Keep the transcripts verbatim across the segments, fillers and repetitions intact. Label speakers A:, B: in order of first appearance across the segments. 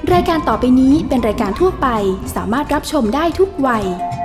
A: รายการต่อไปนี้เป็นรายการทั่วไปสามารถรับชมได้ทุกวัย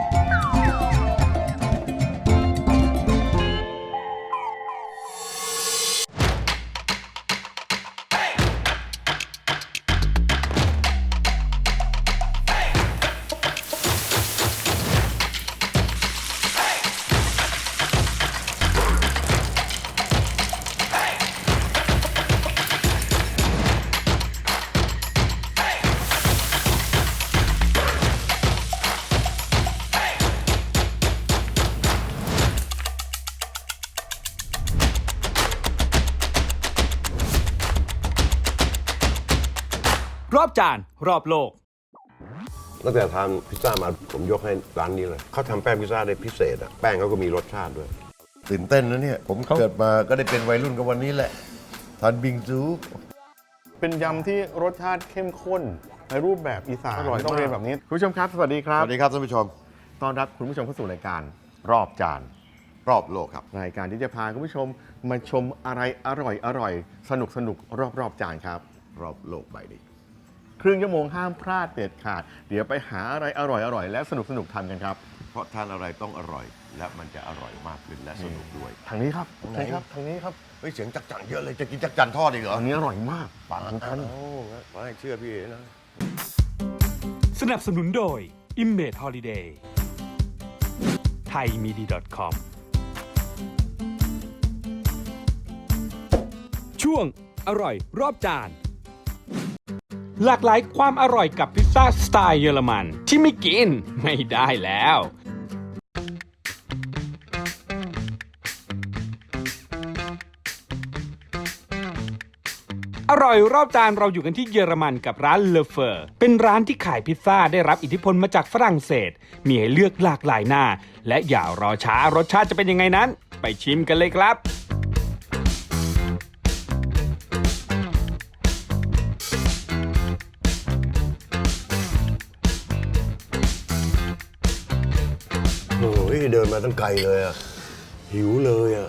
B: รอบจานรอบโลก
C: ตั้งแต่ทานพิซซ่ามาผมยกให้ร้านนี้เลยเขาทำแป้งพิซซ่าได้พิเศษอะแป้งเขาก็มีรสชาติด้วยตื่นเต้นนะเนี่ยผมเกิดมาก็ได้เป็นวัยรุ่นกับวันนี้แหละทานบิงซู
D: เป็นยำที่รสชาติเข้มข้นในรูปแบบอีสานต้องเรียนแบบนี้คุณผู้ชมครับสวัสดีครับ
C: สวัสดีครับท่านผู้ชม
D: ต้อนรับคุณผู้ชมเข้าสู่รายการรอบจาน
C: รอบโลกครับ
D: รายการที่จะพาคุณผู้ชมมาชมอะไรอร่อยอร่อยสนุกสนุกรอบรอบจานครับ
C: รอบโลกใบนี้
D: ครึ่งชั่วโมงห้ามพลาดเด็ดขาดเดี๋ยวไปหาอะไรอร่อยอร่อยและสนุกสนุกทำกันครับ
C: เพราะทานอะไรต้องอร่อยและมันจะอร่อยมากขึ้นและสนุกด้วย
D: ทางนี้ครับทางนี้ครับทางนี้ครับ
C: เฮ้ยเสียงจักจั่นเยอะเลยจะกินจักจั่นทอดอีกเหรอ
D: อันนี้อร่อยมาก
C: ปังกันโอ้ไม่เชื่อพี่เอ๋นะ
B: สนับสนุนโดย Image Holiday ไทยมีดี .com ช่วงอร่อยรอบจานหลากหลายความอร่อยกับพิซซ่าสไตล์เยอรมันที่ไม่กินไม่ได้แล้วอร่อยรอบจานเราอยู่กันที่เยอรมันกับร้านเลเฟอร์เป็นร้านที่ขายพิซซ่าได้รับอิทธิพลมาจากฝรั่งเศสมีให้เลือกหลากหลายหน้าและอย่ารอช้ารสชาติจะเป็นยังไงนั้นไปชิมกันเลยครับ
C: โอ้ยเดินมาตั้งไกลเลยอ่ะหิวเลยอ่ะ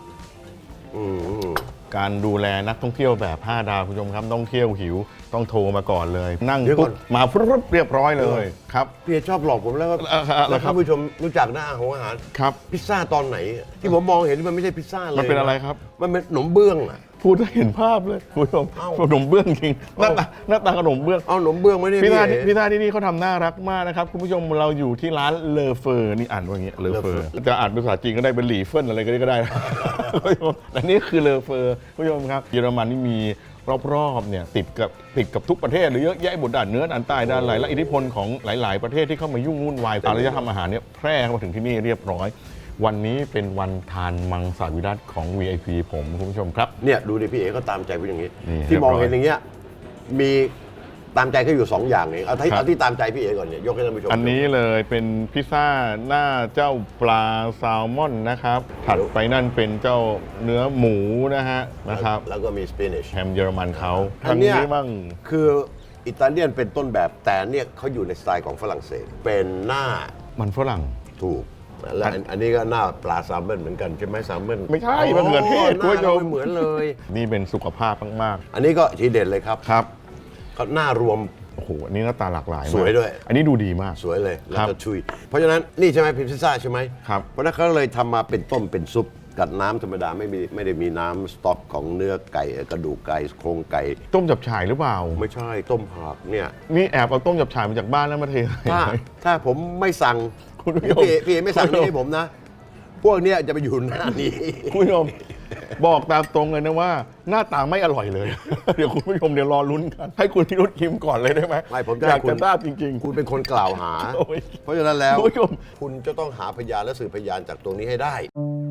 D: การดูแลนักท่องเที่ยวแบบห้าดาวคุณผู้ชมครับต้องเที่ยวหิวต้องโทรมาก่อนเลยนั่งปุ๊บมาปุ๊บเรียบร้อยเลยครับ
C: พี่ชอบหลอกผมแล้วก็แล้วท่านผู้ชมรู้จักหน้าของอาหาร
D: ครับ
C: พิซซ่าตอนไหนที่ผมมองเห็นมันไม่ใช่พิซซ่าเลย
D: มันเป็นอะไรครับ
C: มันเป็นขนมเบื้องอ่ะ
D: พูดให้เห็นภาพเลยคุณผู้ชมขนมเบื้องจริงหน้าตาหน้าตาขนมเบื้อง
C: เอาขนมเบื้องไม่ได้
D: พิซซ่าพิซซ่าที่นี่เขาทำน่ารักมากนะครับคุณผู้ชมเราอยู่ที่ร้านเลอเฟอร์นี่อ่านว่าอย่างเงี้ยเลอเฟอร์จะอ่านภาษาจีนก็ได้เป็นหลี่เฟินอะไรก็ได้คุณผู้ชมแต่นี่คือเลอเฟอร์คุณผู้ชมครับเยอรมันนี่มีรอบๆเนี่ยติดกับติดกับทุกประเทศหรือเยอะแยะบนด้านเหนือด้านใต้ด้านไหนและอิทธิพลของหลายๆประเทศที่เข้ามายุ่งวุ่นวายอารยธรรมอาหารเนี่ยแพร่เข้ามาถึงที่นี่เรียบร้อยวันนี้เป็นวันทานมังสวิรัติของ วี ไอ พี ผมคุณผู้ชมครับ
C: เนี่ยดูดิพี่เอ๋ก็ตามใจเป็นอย่างนี้ที่มองเห็นอย่างเงี้ยมีตามใจก็อยู่สองอย่างเองเอาที่เอาที่ตามใจพี่เอ๋ก่อนเนี่ยยกให้ท่านผู้ชม
D: อันนี้เลยเป็นพิซซ่าหน้าเจ้าปลาแซลมอนนะครับถัดไปนั่นเป็นเจ้าเนื้อหมูนะฮะนะครับ
C: แล้วก็มีสเปนิช
D: แฮมเยอรมันเขา
C: อันนี้บ้างคืออิตาเลียนเป็นต้นแบบแต่เนี่ยเขาอยู่ในสไตล์ของฝรั่งเศสเป็นหน้า
D: มันฝรั่ง
C: ถูกแล้วอันนี้ก็หน้าปลาแซลมอนเหมือนกันใช่ไหมแซลมอน
D: ไม่ใช่มันเหมือนเทศ
C: คุณผู้ชมเหมือนเลย
D: นี่เป็นสุขภาพมาก
C: ๆอันนี้ก็ทีเด็ดเลยครับ
D: ครับ
C: เขาหน้ารวม
D: โอ้โหอันนี้หน้าตาหลากหลาย
C: สวยด้วย
D: อันนี้ดูดีมาก
C: สวยเลยแล้วก็ชุยเพราะฉะนั้นนี่ใช่ไหมพิซซ่าใช่ไหม
D: ครับ
C: เพราะนั้นเขาเลยทำมาเป็นต้มเป็นซุปกับน้ำธรรมดาไม่มีไม่ได้มีน้ำสต๊อกของเนื้อไก่กระดูกไก่โครงไก่
D: ต้มจับฉ่ายหรือเปล่า
C: ไม่ใช่ต้มผักเนี่ย
D: นี่แอบเอาต้มจับฉ่ายมาจากบ้านแล้วมาเท
C: ถ้าถ้าผมไม่สั่งพี่พี่ไม่สั่งนี่ให้ผมนะพวกเนี้ยจะไปอยู่หน้านี้
D: คุณผู้ชมบอกตามตรงเลยนะว่าหน้าตาไม่อร่อยเลยเดี๋ยวคุณผู้ชมเดี๋ยวรอลุ้นกันให้คุณพิรุธชิมก่อนเลยได้ไหม
C: ไม่ผม
D: อยากจะทราบจริง
C: ๆคุณเป็นคนกล่าวหาเพราะฉะนั้นแล้วคุณจะต้องหาพยานและสืบพยานจากตรงนี้ให้ได้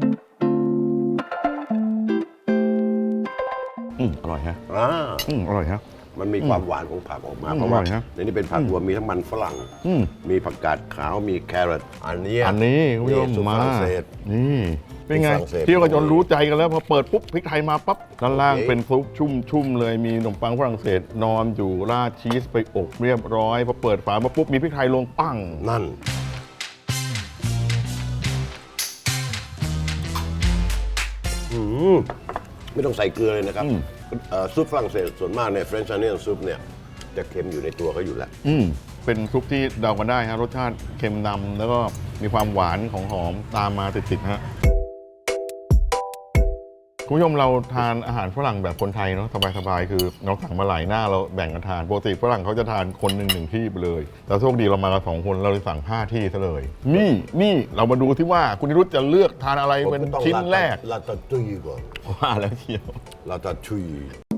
D: อืมอร่อยฮะ
C: อ่า
D: อืมอร่อยฮะ
C: มันมีความหวานของผักออกมาเพราะว่าในนี้เป็นผักรวมมีทั้งมันฝรั่งมีผักกาดขาวมีแครอทอันนี้
D: อันนี้คุณผู้ชมมานี่เป็นไงเที่ยวกันจนรู้ใจกันแล้วพอเปิดปุ๊บพริกไทยมาปั๊บด้านล่างเป็นซุปชุ่มๆเลยมีขนมปังฝรั่งเศสนอนอยู่ราดชีสไปอบเรียบร้อยพอเปิดฝามาปุ๊บมีพริกไทยลงปั้ง
C: นั่นไม่ต้องใส่เกลือเลยนะครับซุปฝรั่งเศสส่วนมากเนี่ย French onion soup เนี่ยจะเค็มอยู่ในตัวเขาอยู่แล้ว
D: อืมเป็นซุปที่เดากันได้ฮะรสชาติเค็มนำแล้วก็มีความหวานของหอมตามมาติดๆฮะคุณผู้ชมเราทานอาหารฝรั่งแบบคนไทยเนาะสบายๆคือเราสั่งมาหลายหน้าเราแบ่งกันทานปกติฝรั่งเขาจะทานคนหนึ่งหนึ่งที่ไปเลยแต่โชคดีเรามากันสองคนเราเลยสั่งห้าที่ซะเลยนี่นี่เรามาดูที่ว่าคุณนิรุตจะเลือกทานอะไรเป็นชิ้นแรก
C: ลาตาตุยก่อน
D: ว่าแล้วเชียว
C: ลาตาตุย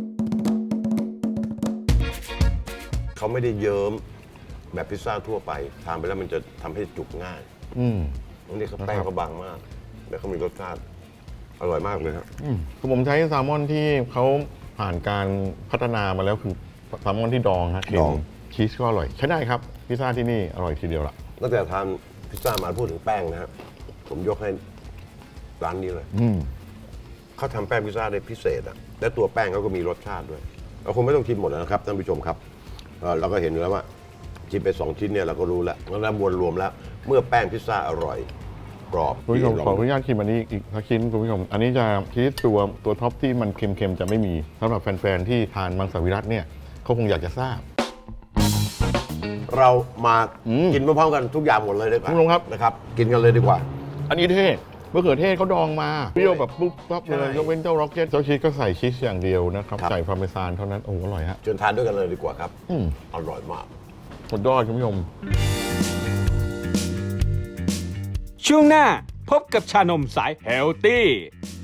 C: เขาไม่ได้เยิ้มแบบพิซซ่าทั่วไปทานไปแล้วมันจะทำให้จุกง่าย
D: อืม
C: อันนี้เขาแป้งเขาบางมากแล้วเขามีรสชาติอร่อยมากเลยครับ
D: อืมคือผมใช้แซลมอนที่เขาผ่านการพัฒนามาแล้วคือแซลมอนที่ดองฮะเค็
C: ด
D: ม
C: อง
D: ชีสก็อร่อยใช้ได้ครับพิซซ่าที่นี่อร่อยทีเดียวละ
C: ตั้งแต่ทานพิซซ่ามาพูดถึงแป้งนะครับผมยกให้ร้านนี้เลย
D: อืม
C: เขาทำแป้งพิซซ่าได้พิเศษอะและตัวแป้งเขาก็มีรสชาติด้วย เราคงไม่ต้องชิมหมดนะครับท่านผู้ชมครับเอ่อเราก็เห็นอยู่แล้วว่าชิมไปสองชิ้นเนี่ยเราก็รู้แล้วแล้วมวลรวมแล้ว เมื่อแป้งพิซซ่าอร่อยกรอบ
D: คุณผู้ชม
C: ลง
D: ขออนุญาตชิมอันนี้อีกสักชิ้นคุณผู้ชมอันนี้จะชีสตัวตัวท็อปที่มันเค็มๆจะไม่มีสำหรับแฟนๆที่ทานมังสวิรัติเนี่ยเขาคงอยากจะทราบ
C: เรามา
D: อืม
C: กินพร้อมๆกันทุกอย่างหมดเลยดีกว่า
D: คุณผู้ชมครับ
C: นะครับ กินกันเลยดีกว่า
D: อันนี้เท่มะเขือเทศเขาดองมาเปรี้ยวแบบปุ๊บปั๊บเลย
C: ใช่
D: ยกเว้นเจ้าร็อกเก็ตเจ้าชีสก็ใส่ชีสอย่างเดียวนะครับ
C: ครับ
D: ใส่พาร์เมซานเท่านั้นโอ้โหอร่อยฮะ
C: เชิญทานด้วยกันเลยดีกว่าครับ
D: อืม
C: อร่อยมาก
D: สุดยอดคุณผู้ชม
B: ช่วงหน้าพบกับชานมสายเฮลตี้